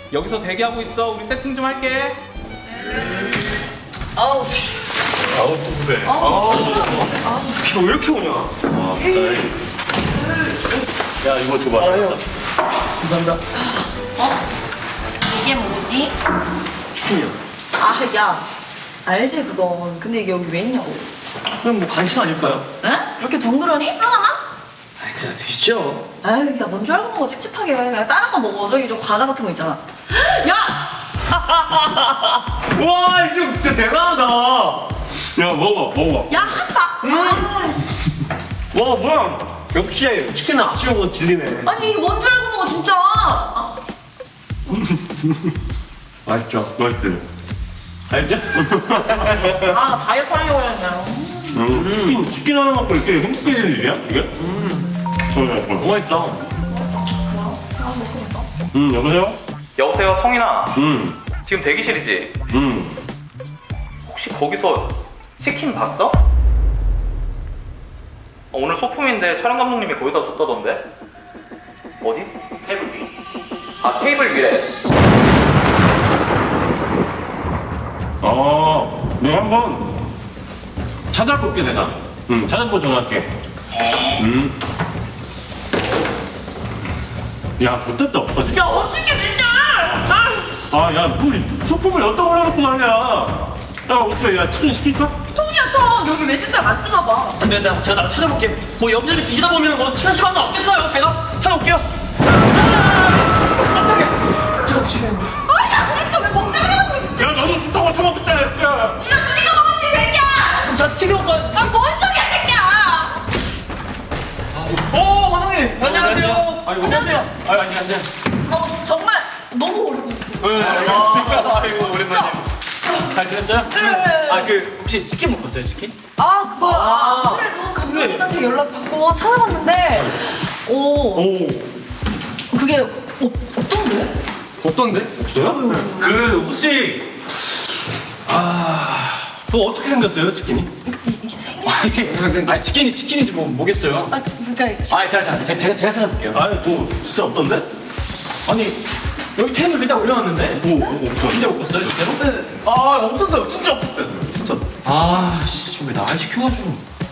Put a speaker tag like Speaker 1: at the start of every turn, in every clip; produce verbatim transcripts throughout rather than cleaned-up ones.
Speaker 1: 여기서 대기하고 있어. 우리 세팅 좀 할게.
Speaker 2: 아우
Speaker 3: 아우 또 그래.
Speaker 4: 비가 왜 이렇게 오냐?
Speaker 3: 아 진짜. 야 이거 줘봐.
Speaker 4: 아, 형. 감사합니다.
Speaker 2: 어? 이게 뭐지?
Speaker 4: 치킨이요.
Speaker 2: 아 야 알지 그건. 근데 이게 여기 왜 있냐고.
Speaker 4: 그럼 뭐 간식 아닐까요?
Speaker 2: 에? 이렇게 덩그러니? 하나만?
Speaker 4: 아이, 그냥 드시죠.
Speaker 2: 아유 야 뭔 줄 알고 먹어 찝찝하게. 그냥 다른 거 먹어. 저기 저 과자 같은 거 있잖아. 야!
Speaker 4: 와, 이거 진짜 대단하다. 와,
Speaker 3: 야 먹어 먹어.
Speaker 2: 야 하지 마! 아,
Speaker 4: 뭐야. 역시 치킨은 아침에 먹어도 질리네.
Speaker 2: 아니 이게 뭔 줄 알고 먹어 진짜. 아,
Speaker 3: 맛있죠. 맛있지.
Speaker 4: 알죠?
Speaker 2: 아 나 다이어트 하려고 했는데.
Speaker 3: 음. 치킨 치킨 하나 먹고 이렇게 행복해지는 일이야 이게? 음.
Speaker 4: 너무 맛있다.
Speaker 2: 아 먹으니까.
Speaker 3: 음 여보세요?
Speaker 1: 여보세요, 성인아.
Speaker 3: 음.
Speaker 1: 지금 대기실이지?
Speaker 3: 음.
Speaker 1: 혹시 거기서 치킨 봤어? 어, 오늘 소품인데 촬영 감독님이 거기다 줬다던데? 어디? 테이블 위. 아, 테이블 위래.
Speaker 3: 아, 내가 한번 찾아볼게 내가. 응, 찾아보고 전화할게. 음. 야, 좋겠다 어떡하지?
Speaker 2: 야 어떻게 진짜. 아
Speaker 3: 아, 야, 뭐 소품을 어디다 올려놓고 말이야. 야, 어떻게, 야, 치킨 시킬까?
Speaker 2: 통이야 통. 여기 외제살 안 뜨나 봐.
Speaker 4: 안 돼, 나, 제가 나가 찾아볼게. 뭐 여기저기 뒤지다 보면 뭐 치킨 하나 없겠어요. 제가 찾아볼게요. 깜짝이야. 제가 지금.
Speaker 2: 아야 그랬어 왜 멍청이 가지고 진짜.
Speaker 3: 야, 너도 좀 처먹겠다, 야.
Speaker 2: 니가 주니까 먹었지 새끼야.
Speaker 4: 그럼 제가 튀겨 먹어요.
Speaker 2: 아뭔 소리야 새끼야.
Speaker 4: 오, 과장님. 안녕하세요.
Speaker 2: 안녕하세요.
Speaker 4: 아, 안녕하세요.
Speaker 2: 어 정말 너무 오래고.
Speaker 4: 아이고,
Speaker 2: 진짜.
Speaker 4: 잘 지냈어요?
Speaker 2: 네.
Speaker 4: 아, 그 혹시 치킨 먹었어요, 치킨?
Speaker 2: 아 그거
Speaker 4: 아.
Speaker 2: 안 그래도 감독님한테 연락 받고 찾아봤는데 오
Speaker 4: 오.
Speaker 2: 그게 없, 없던데?
Speaker 4: 없던데? 없어요? 그 혹시 아, 그거 어떻게 생겼어요, 치킨이?
Speaker 2: 이, 이게 생일?
Speaker 4: 아, 치킨이 치킨이지 뭐 뭐겠어요?
Speaker 2: 아 그러니까
Speaker 4: 아, 제가 제가 제가, 제가 찾아볼게요.
Speaker 3: 아니, 뭐, 진짜 없던데?
Speaker 4: 아니 여기 테이블 위에다 올려놨는데.
Speaker 3: 오, 오, 없어.
Speaker 4: 진짜 못 봤어요, 진짜로?
Speaker 2: 네.
Speaker 4: 아, 없었어요, 진짜 없었어요, 진짜. 아, 씨, 지금 왜 날 시켜가지고.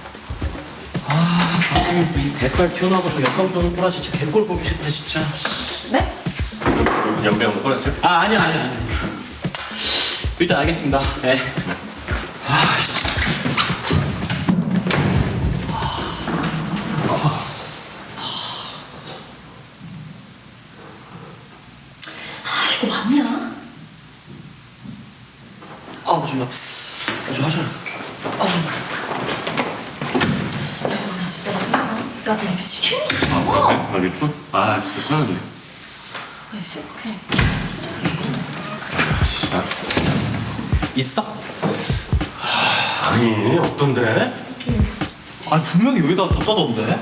Speaker 4: 아, 선생님 이 대빨 튀어나오고 저 역감 도는 꼬라지 진짜 개꼴 보기 싫다, 진짜.
Speaker 2: 네?
Speaker 3: 연병 꺼냈죠?
Speaker 4: 아, 아니야, 아니야, 아니야. 일단 알겠습니다. 네. 아, 씨.
Speaker 2: 아 이거 맞냐?
Speaker 4: 아, 좀, 나, 좀 하잖아. 아,
Speaker 2: 야 너 진짜 맞냐? 야너 이렇게 치킨
Speaker 3: 아,
Speaker 2: 먹었어?
Speaker 3: 그래? 알겠어? 아, 진짜 편하네.
Speaker 2: 아이씨 오케이.
Speaker 3: 진짜.
Speaker 4: 있어?
Speaker 3: 아니, 없던데?
Speaker 4: 아니, 분명히 여기다 뒀다던데?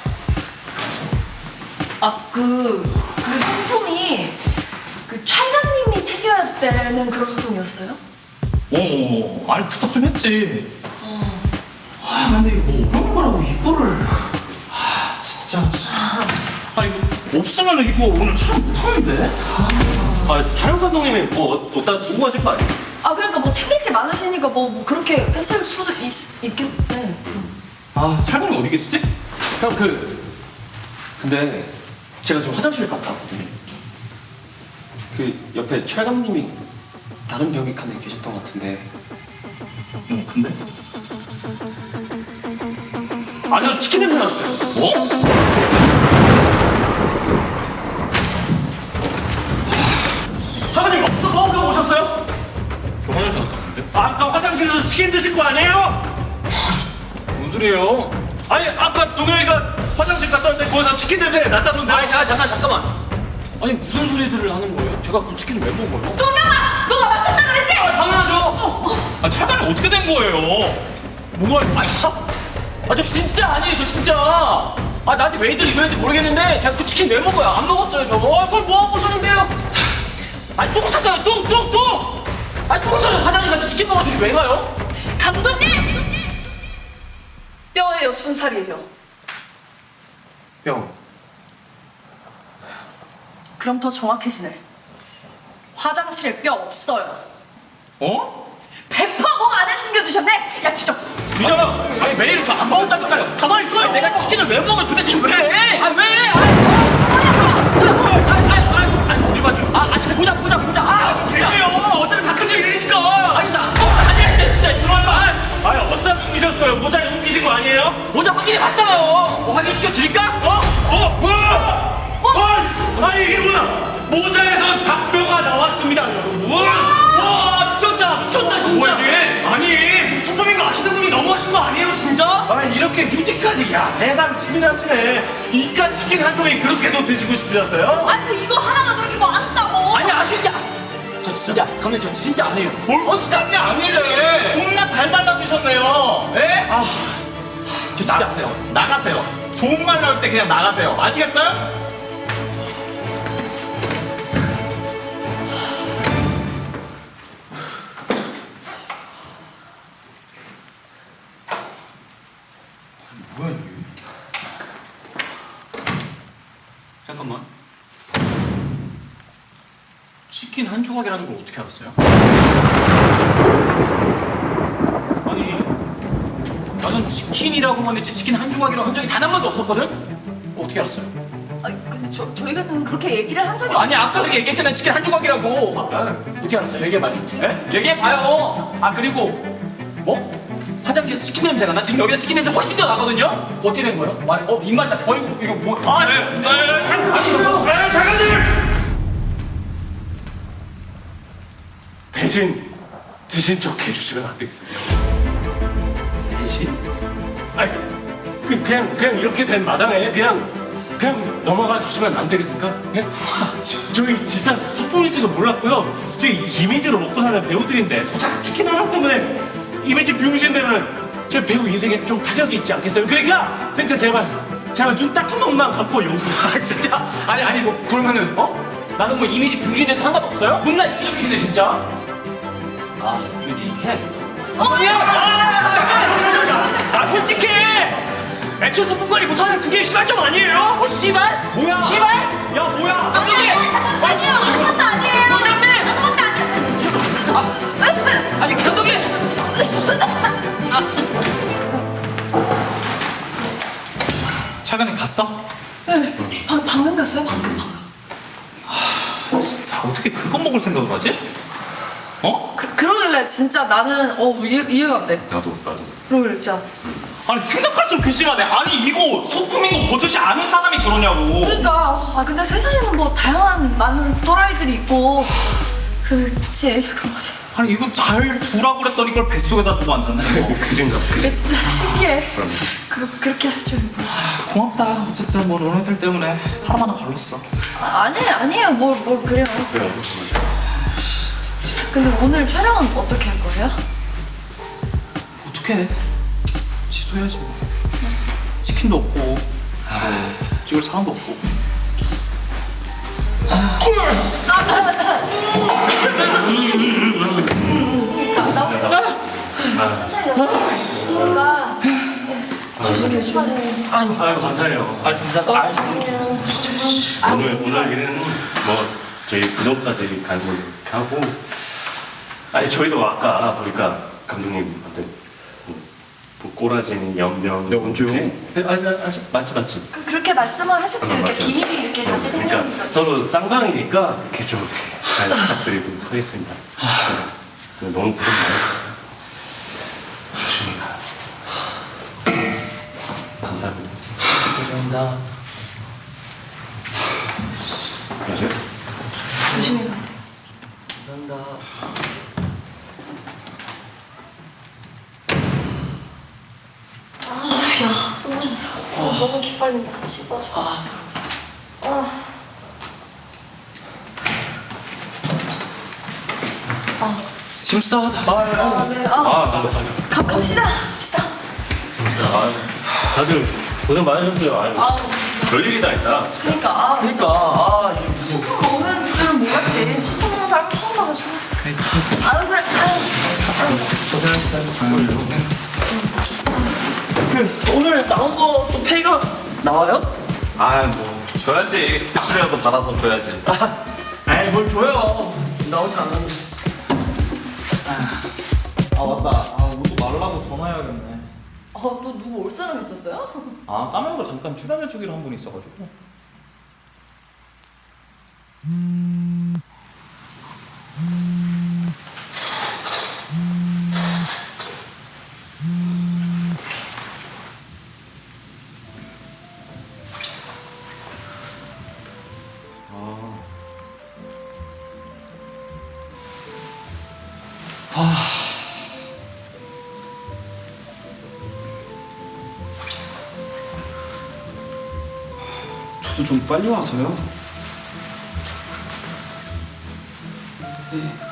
Speaker 2: 아그 그 상품이 그 촬영님이 챙겨야 되는 그런 상품이었어요?
Speaker 4: 어, 아니, 부탁 좀 했지. 아, 근데 이거 뭐 어려운 거라고 이거를. 아, 진짜. 아니, 이거 없으면 이거 오늘 촬영 못하는데? 아, 촬영 감독님이 뭐 어디다 두고 가실 거 아니에요?
Speaker 2: 아 그러니까 뭐 챙길 게 많으시니까 뭐, 뭐 그렇게 했을 수도 있, 있겠네.
Speaker 4: 아, 촬영이 어디 계시지? 형, 그. 근데 제가 지금 화장실 갔다 왔거든요. 그 옆에 촬 감독님이 다른 병기 칸에 계셨던 것 같은데. 어, 근데? 아니요, 치킨 냄새 났어요. 뭐? 사장님, 어디서 뭐 하고 오셨어요?
Speaker 3: 저 화장실 갔다 왔는데?
Speaker 4: 아까 화장실에서 치킨 드실 거 아니에요?
Speaker 3: 뭔 소리예요?
Speaker 4: 아니, 아까 동현이가 화장실 갔다 왔는데 거기서 치킨 냄새 났다던데. 아니, 잠깐, 잠깐, 잠깐만. 아니, 무슨 소리들을 하는 거예요? 제가 그 치킨을 왜 먹어요?
Speaker 2: 동명아! 너가 맡았다 그랬지?
Speaker 4: 아, 당연하죠. 아, 차단이 어떻게 된 거예요? 뭐가, 아, 아, 저 진짜 아니에요, 저 진짜. 아, 나한테 왜들 이러는지 모르겠는데 제가 그 치킨 왜 먹어요? 안 먹었어요, 저. 아, 그걸 뭐 하고 오셨는데요? 아, 똥 쌌어요, 똥, 똥, 똥! 아, 똥 싸서 화장실 가서 치킨 먹어주기 왜 가요?
Speaker 2: 감독님! 뼈예요, 순살이에요.
Speaker 4: 뿅.
Speaker 2: 그럼 더 정확해지네. 화장실에 뼈 없어요.
Speaker 4: 어?
Speaker 2: 백 퍼센트 목 안에 숨겨두셨네. 야 뒤져.
Speaker 4: 유정아, 아니 매일 저 안 먹었다니까요. 가만히 있어요. 내가 치킨을 왜 먹어 도대체 왜? 아 왜? 아, 아니 어디 봐줘. 아, 아 진짜 보자 보자 보자. 아 진짜요. 어차피 바꿔줘 이러니까. 아니 나 어, 아니랬대 진짜 들어와봐.
Speaker 3: 아니 어디다 숨기셨어요? 모자에 숨기신 거 아니에요?
Speaker 4: 모자 확인해 봤잖아요. 뭐 확인시켜 드릴까? 어?
Speaker 3: 어? 뭐야? 어? 아니 이게 뭐야? 모자에서 닭뼈가 나왔습니다 여러분.
Speaker 4: 와 미쳤다 미쳤다 진짜.
Speaker 3: 뭐야 이게?
Speaker 4: 아니 지금 소품인 거 아시는 분이 너무하신 거 아니에요 진짜?
Speaker 3: 아니 이렇게 휴지까지 야 세상 치밀하시네. 이깟 치킨 한 통에 그렇게도 드시고 싶으셨어요?
Speaker 2: 아니 뭐 이거 하나가 그렇게 뭐 아쉽다고.
Speaker 4: 아니 아시냐? 저 진짜 감독님 저 진짜 안 해요.
Speaker 3: 뭘 어찌단지 아니래.
Speaker 4: 존나 잘 발라주셨네요.
Speaker 5: 예?
Speaker 4: 아, 저 진짜
Speaker 5: 나가세요. 나가세요. 좋은 말 나올 때 그냥 나가세요. 아시겠어요? 뭐야 이게?
Speaker 4: 잠깐만. 치킨 한 조각이라는 걸 어떻게 알았어요? 아니, 나는 치킨이라고만 했지 치킨 한 조각이라고 한 적이 단 한 번도 없었거든? 그거 어떻게 알았어요?
Speaker 2: 아니 근데 저 저희가 그렇게 얘기를 한 적이
Speaker 4: 아니 아까 그렇게 얘기했잖아요 치킨 한 조각이라고. 어떻게 알았어요? 얘기해봐요. 예? 얘기해봐요. 아 그리고 뭐? 화장실에서 치킨 냄새가 나 지금 여기다 치킨 냄새 훨씬 더 나거든요? 어떻게 된 거예요? 말, 어 입맛 나. 어이구 이거 뭐? 아 네. 네. 잠깐 아니 이거.
Speaker 3: 아 잠깐만요. 대신 드신 척 해주시면 안 되겠습니까?
Speaker 4: 대신?
Speaker 3: 아니 그, 그냥 그냥 이렇게 된 마당에 그냥 그냥 넘어가 주시면 안 되겠습니까? 예? 저희 진짜 속보일지도 몰랐고요. 저희 이미지로 먹고 사는 배우들인데 고작 치킨 하나 때문에 이미지 비용신되면 저 배우 인생에 좀 타격이 있지 않겠어요? 그러니까 그러니까 제발 제발 눈 딱 한 번만 감고 용서.
Speaker 4: 아 진짜? 아니 아니 뭐 그러면은 어? 나는 뭐 이미지 병신돼도 상관없어요? 존나 이기적이시네 진짜. 아 이거 얘기해.
Speaker 2: 어, 야!
Speaker 4: 아 솔직히 애초에 소품관리 못하는 그게 씨발 좀 아니에요? 어 씨발? 뭐야? 씨발? 야 뭐야? 감독님!
Speaker 2: 아니요 아무것도 아니에요.
Speaker 4: 감독님!
Speaker 2: 아무것도 아니에요.
Speaker 4: 아, 아니 감독님! 차관님 갔어?
Speaker 2: 네, 방, 방금 갔어요 방금 방금.
Speaker 5: 진짜 어떻게 그거 먹을 생각을 하지? 어?
Speaker 2: 그, 그러길래 진짜 나는 어 이해, 이해가 안 돼.
Speaker 3: 나도 나도.
Speaker 2: 그러길래 진짜.
Speaker 5: 아니 생각할수록 괘씸하네. 아니 이거 소품인 거 버젓이 아는 사람이 그러냐고.
Speaker 2: 그러니까 아 근데 세상에는 뭐 다양한 많은 또라이들이 있고 그치 그런 거지.
Speaker 5: 아니 이거 잘 두라고 그랬더니 이걸 뱃속에다 두고 앉았네.
Speaker 3: 그 생각.
Speaker 2: 그게 진짜 신기해. 그 그렇게 할 줄은 몰랐지.
Speaker 5: 고맙다. 어쨌든 뭐 너네들 때문에 사람 하나 걸렸어.
Speaker 2: 아, 아니 아니에요 뭘 뭘 그래요.
Speaker 3: 그래 맞아.
Speaker 2: 근데 오늘 촬영은 어떻게 할 거예요?
Speaker 5: 어떡해. 취소해야지 뭐. 치킨도 없고 뭐 찍을 사람도 없고.
Speaker 2: 친구가 조심히 조심하세요.
Speaker 3: 아유 감사해요.
Speaker 5: 아 감사합니다. 아,
Speaker 3: 오늘 오늘 일은 뭐 저희 부동까지 가는 걸로 이렇게 하고 아니 저희도 아까 보니까 감독님한테 뭐, 뭐 꼬라지는 연명
Speaker 5: 네, 언제요?
Speaker 3: 이렇게- 아니 아니 아니, 맞지 맞지.
Speaker 2: 그, 그렇게 말씀을 하셨지
Speaker 3: 아,
Speaker 2: 이렇게
Speaker 3: 맞아요.
Speaker 2: 비밀이 이렇게 같이
Speaker 3: 그러니까
Speaker 2: 생기니까.
Speaker 3: 서로 쌍방이니까 이렇게 좀 이렇게 잘 부탁드리도록 하겠습니다. 네, 너무 고생 많으셨어요. 조심히 가요. 감사합니다.
Speaker 5: 감사합니다.
Speaker 3: 맞아요?
Speaker 2: 조심히 가세요.
Speaker 5: 감사합니다.
Speaker 2: 아, 너무 기빨린다. 씹어줘. 아.
Speaker 5: 짐 싸. 아,
Speaker 2: 아, 네. 아,
Speaker 3: 아, 감사합니다.
Speaker 2: 가, 갑시다. 갑시다.
Speaker 3: 다들 고생 많으셨어요. 아유,
Speaker 2: 아,
Speaker 3: 별일이 다 있다.
Speaker 2: 그러니까 아,
Speaker 5: 그러니까 아 이거
Speaker 2: 소품 먹는 줄은 몰랐지. 소품 먹는 사람 처음 봐가지고. 아유 그래. 아유.
Speaker 4: 그 오늘 나온 거 또 페이가 나와요?
Speaker 5: 아뭐 줘야지. 수수료라도 받아서 줘야지.
Speaker 4: 아이 뭘 줘요.
Speaker 5: 나오진 않았는데.
Speaker 1: 아 맞다. 아 오지 말라고 전화해야겠네.
Speaker 2: 어, 또 누구 올 사람 있었어요?
Speaker 1: 아 까먹고 잠깐 출연해주기로 한 분이 있어가지고.
Speaker 5: 저도 좀 빨리 와서요. 네.